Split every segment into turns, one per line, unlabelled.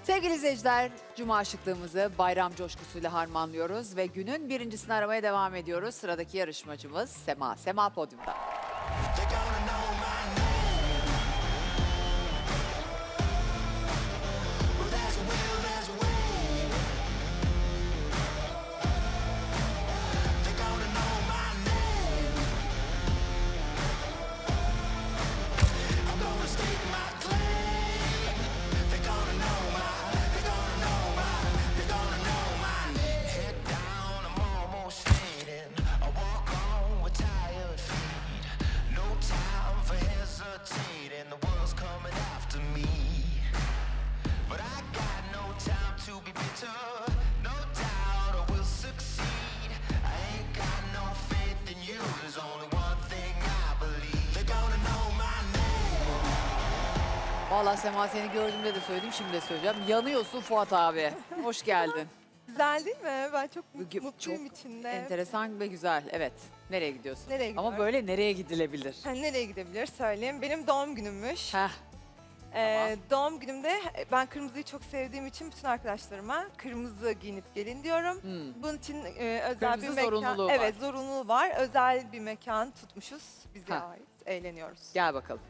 Sevgili izleyiciler, Cuma şıklığımızı bayram coşkusuyla harmanlıyoruz ve günün birincisini aramaya devam ediyoruz. Sıradaki yarışmacımız Sema. Sema podyumda. Vallahi Sema seni gördüğümde de söyledim, şimdi de söyleyeceğim. Yanıyorsun Fuat abi. Hoş geldin.
Güzel değil mi? Ben çok mutluyum
Çok
içinde.
enteresan ve güzel. Evet. Nereye gidiyorsun?
Nereye gidiyorum?
Ama böyle nereye gidilebilir?
Ha, nereye gidebilir söyleyeyim. Benim doğum günümmüş.
Heh.
Doğum günümde ben kırmızıyı çok sevdiğim için bütün arkadaşlarıma kırmızı giyinip gelin diyorum.
Hmm.
Bunun için özel
Kırmızı
bir mekan.
zorunluluğu var.
Evet, zorunluluğu var. Özel bir mekan tutmuşuz. Bize
Ha.
ait. Eğleniyoruz.
Gel bakalım.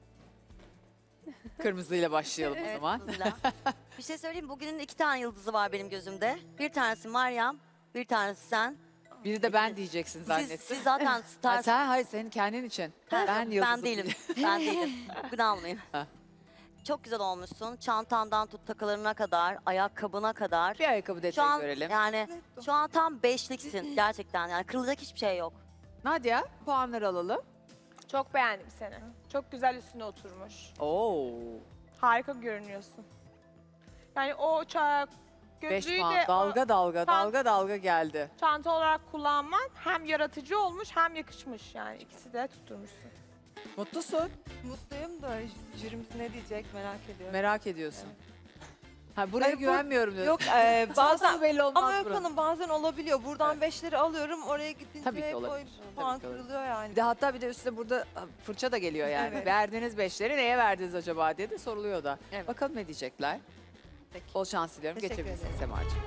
Kırmızıyla başlayalım o
Evet,
zaman.
kızıyla. Bir şey söyleyeyim, bugünün 2 tane yıldızı var benim gözümde. Bir tanesi Meryem, bir tanesi sen.
Biri de ben diyeceksin
Siz,
zannettim.
siz zaten
Ha,
star.
hayır senin kendin için. Ben yıldızım.
değilim. Ben değilim. Bugün almayayım.
Ha.
Çok güzel olmuşsun. Çantandan tut takılarına kadar, ayakkabına kadar.
Bir ayakkabı
Şu
detayı
an
görelim.
yani şu an tam beşliksin gerçekten. Yani kırılacak hiçbir şey yok.
Nadia, puanları alalım.
Çok beğendim seni. Çok güzel üstüne oturmuş.
Oo.
Harika görünüyorsun. Yani o
5
gözlüğü
puan.
de
Dalga dalga,
Tam-
dalga dalga geldi.
çanta olarak kullanman hem yaratıcı olmuş hem yakışmış. Yani ikisi de tutturmuşsun.
Mutlusun.
Mutluyum da jürimiz ne diyecek merak ediyorum.
Merak ediyorsun. Ha buraya
Hayır, bu-
güvenmiyorum diyorsun.
Yok
Bazen
bazen
belli olmaz
ama yok
buranın.
hanım bazen olabiliyor. Buradan 5'leri alıyorum oraya gidince
Tabii ki
hep o
olabilir.
puan
Tabii ki olabilir.
kırılıyor yani.
Bir de hatta bir de üstüne burada fırça da geliyor yani.
Evet.
Verdiğiniz 5'leri neye verdiniz acaba diye de soruluyor da.
Evet.
Bakalım ne diyecekler.
Peki.
Bol şans diliyorum.
Teşekkür
Geçebilirsin
ederim.
Semacığım.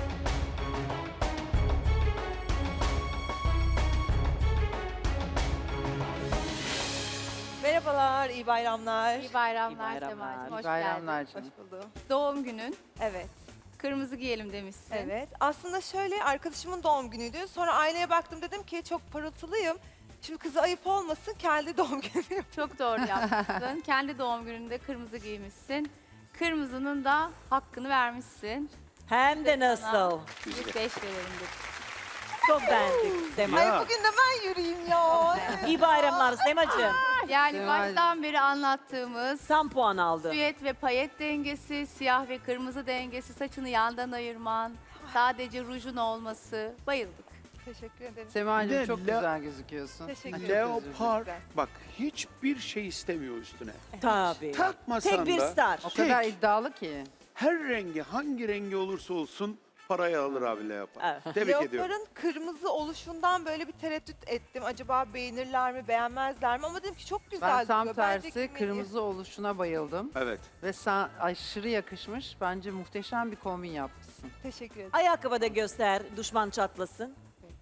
Merhabalar, iyi bayramlar.
İyi bayramlar,
İyi bayramlar.
Semacığım. Hoş
bayramlar
geldin.
Hoş buldum.
Doğum günün.
Evet.
Kırmızı giyelim demişsin.
Evet. Aslında şöyle arkadaşımın doğum günüydü. Sonra aileye baktım dedim ki çok parıltılıyım. Şimdi kızı ayıp olmasın kendi doğum günü.
Çok doğru yapmışsın. Kendi doğum gününde kırmızı giymişsin. Kırmızının da hakkını vermişsin.
Hem de nasıl?
Bir 5 verelim dedik.
Çok beğendik Sema.
Ay bugün de ben yürüyeyim ya.
İyi bayramlar Semacığım.
Yani baştan beri anlattığımız
Tam puan aldı.
süet ve payet dengesi, siyah ve kırmızı dengesi, saçını yandan ayırman, sadece rujun olması. Bayıldık.
Teşekkür ederim.
Semacığım çok
Le-
güzel gözüküyorsun.
Teşekkür
Çok
ederim.
özür dilerim.
Leopar bak hiçbir şey istemiyor üstüne.
Tabii.
Takmasan
Tek bir
da
star.
O
tek,
kadar iddialı ki.
her rengi hangi rengi olursa olsun parayı alır abi Leopar.
Evet.
Tebrik ediyorum.
Leopar'ın kırmızı oluşundan böyle bir tereddüt ettim. Acaba beğenirler mi, beğenmezler mi? Ama dedim ki çok güzel
Ben tam
duruyor. Bence
tersi
giymeliyim.
kırmızı oluşuna bayıldım.
Evet.
Ve sen aşırı yakışmış. Bence muhteşem bir kombin yapmışsın.
Teşekkür ederim.
Ayakkabı da göster, düşman çatlasın.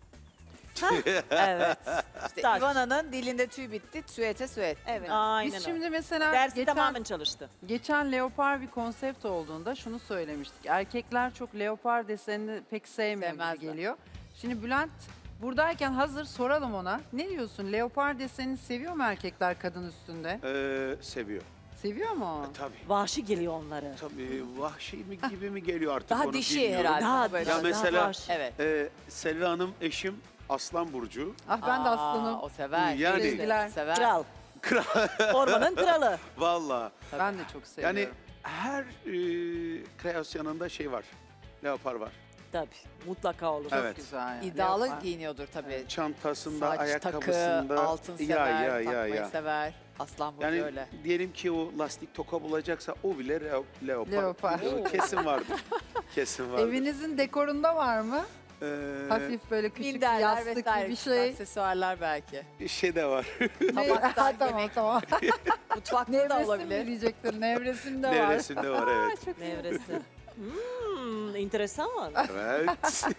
Hah, evet.
İşte
Star.
Ivana'nın dilinde tüy bitti. Süete süet.
Evet.
Aynen
Biz
öyle.
şimdi mesela
Dersi tamamen çalıştı.
geçen leopar bir konsept olduğunda şunu söylemiştik. Erkekler çok leopar desenini pek sevmiyor gibi
Sevmezler.
geliyor. Şimdi Bülent buradayken hazır soralım ona. Ne diyorsun? Leopar desenini seviyor mu erkekler kadın üstünde?
Seviyor.
Seviyor mu?
Tabii.
Vahşi geliyor onları.
Tabii vahşi mi gibi mi geliyor artık
Daha
onu
dişi
bilmiyorum.
herhalde.
Daha,
Böyle.
Ya
daha
mesela-
vahşi.
Evet.
Selvi Hanım eşim Aslan Burcu.
Ah ben de aslanım.
O sever.
Yani-
Sevgiler.
Sever.
Kral. Ormanın kralı.
Valla.
Ben de çok seviyorum.
Yani her kreasyonunda şey var. Leopar var.
Tabii. Mutlaka olur.
Evet.
Güzel yani.
İddialı
Leopar.
giyiniyordur tabii.
Çantasında,
Saç,
ayakkabısında.
takı, altın sever,
ya
takmayı sever. Aslan burcu
Yani
öyle.
diyelim ki o lastik toka bulacaksa o bile leopar.
Leopar.
Kesin vardır. Kesin vardır.
Evinizin dekorunda var mı? Hafif böyle küçük bir
Minderler
yastık
vesaire.
gibi bir
küçük
şey.
Aksesuarlar belki.
Şey de var.
Tabaktan
tamam
yemek.
tamam.
Mutfakta da
Nevresim
olabilir.
mi diyecektir? Nevresimde var.
Nevresinde var evet.
Nevresi. İnteresan.
Evet.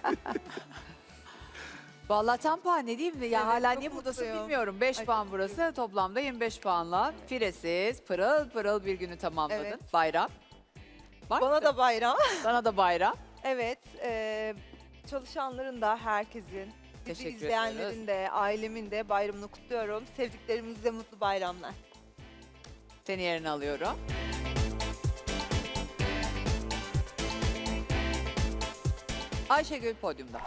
Vallahi tam puan ne diyeyim de ya
Evet,
hala
çok
niye buradasın
mutluyum.
bilmiyorum. 5
Ay,
puan
çok
burası. Toplamda 25 puanla firesiz pırıl pırıl bir günü tamamladın.
Evet.
Bayram. Var
Bana
mı?
da bayram.
Sana da bayram.
Evet, çalışanların da herkesin, bizi
Teşekkür
izleyenlerin
ediyoruz.
de, ailemin de bayramını kutluyorum. Sevdiklerimizle mutlu bayramlar.
Seni yerine alıyorum. Ayşegül podyumda.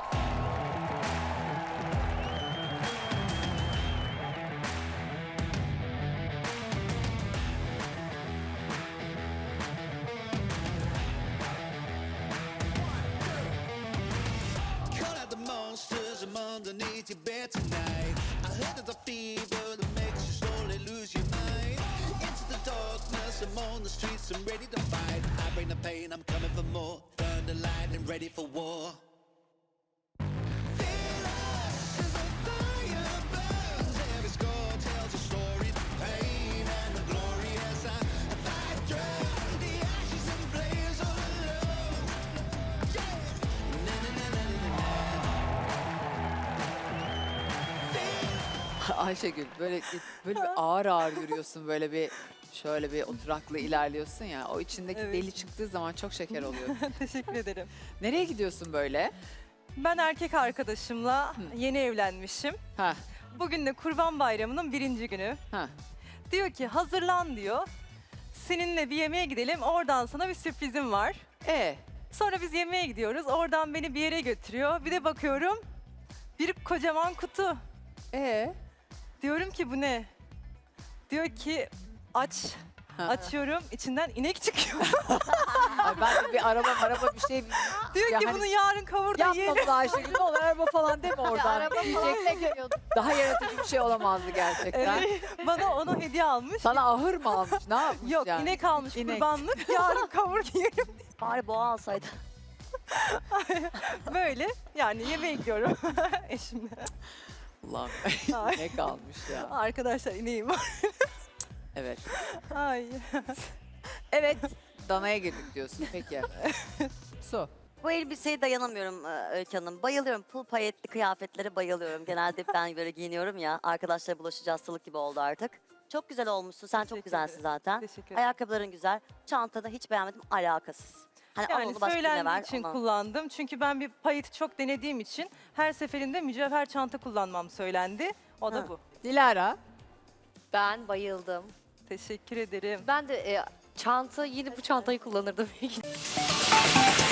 Call out the monsters I'm underneath your bed tonight. I heard there's a fever that makes you slowly lose your mind. Into the darkness, I'm on the streets, I'm ready to fight. I bring the pain, I'm coming for more. Thunder, lightning, ready for war. Feel us as the fire burns. Every score tells a story, the pain and the glory as I fight through the ashes and flames of love. Yeah. Na, na, na, na, na, na.
Ayşegül böyle bir ağır ağır yürüyorsun, böyle bir şöyle bir oturaklı ilerliyorsun ya. O içindeki
Evet.
deli çıktığı zaman çok şeker oluyor.
Teşekkür ederim.
Nereye gidiyorsun böyle?
Ben erkek arkadaşımla yeni evlenmişim.
Ha,
Bugün de Kurban Bayramı'nın 1. günü.
ha.
Diyor ki hazırlan diyor. Seninle bir yemeğe gidelim. Oradan sana bir sürprizim var. Sonra biz yemeğe gidiyoruz. Oradan beni bir yere götürüyor. Bir de bakıyorum bir kocaman kutu. Diyorum ki bu ne? Diyor ki aç.
Ha.
Açıyorum. İçinden inek çıkıyor.
Ay ben de bir araba bir şey
Diyor
Ya
ki
hani
bunu yarın kavurda
yapma
yiyelim.
bunu Ayşegül. Ne olur araba falan deme oradan. Diyecektim ki daha yaratıcı bir şey olamazdı gerçekten.
Bana onu hediye almış.
Sana ahır mı almış? Ne yapmış
Yok
yani?
inek almış
İnek.
kurbanlık. Yarın kavur yiyelim.
Bari boğa alsaydı.
Böyle yani yemeğe gidiyorum eşimle.
Allah'ım
Ay.
ne kalmış ya.
Arkadaşlar ineğim var.
Evet.
Ay.
Evet. Dana'ya girdik diyorsun. Peki. Su.
Bu elbiseye dayanamıyorum Öykü Hanım. Bayılıyorum. Pul payetli kıyafetlere bayılıyorum. Genelde ben böyle giyiniyorum ya. Arkadaşlara bulaşıcı hastalık gibi oldu artık. Çok güzel olmuşsun. Sen çok
Teşekkür
güzelsin
ederim.
zaten.
Teşekkür ederim.
Ayakkabıların güzel. Çantada hiç beğenmedim. Alakasız. Hani al
Yani
onu başka birine
söylendiği
ver.
için
ona.
kullandım. Çünkü ben bir payeti çok denediğim için her seferinde mücevher çanta kullanmam söylendi. O da
Ha.
bu.
Dilara.
Ben bayıldım.
Teşekkür ederim.
Ben de çanta, yine bu çantayı kullanırdım.